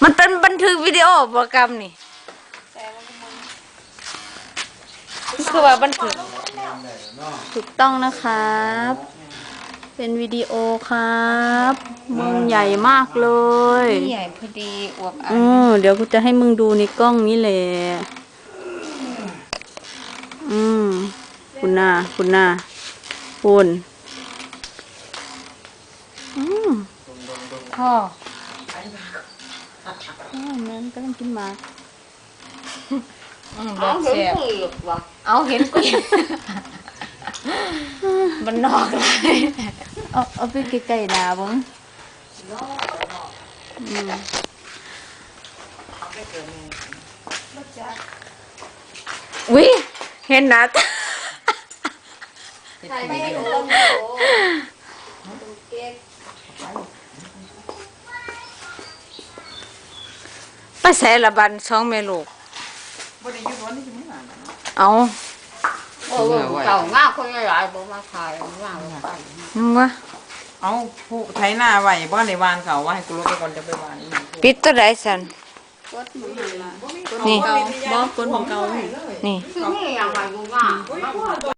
มันเป็นบันทึกวิดีโอโปรแกรมนี่คือว่าบันทึกถูกต้องนะครับ เป็นวิดีโอครับมึงใหญ่มากเลยใหญ่พอดีอวบอันเดี๋ยวกูจะให้มึงดูในกล้องนี้แหละคุณหน้าคุณพ่อมันก็ต้องกินหมากแบบเสียบเอาเห็นกุยมันนอกเลยเอาไปใกล้ๆดาบ้งอุ้ยเห็นนะไปใส่ละบันช่องเมลูกเอาเก่ามากคนใหญ่ๆบอกมาขายมากเลยนึงวะเอาผู้ไถหน้าไว้บ้านในวานเขาว่าให้กูลดไปก่อนจะไปวานอีกปิดตัวใดสันนี่บอกคนของเก่านี่คือนี่อย่างไรกูว่า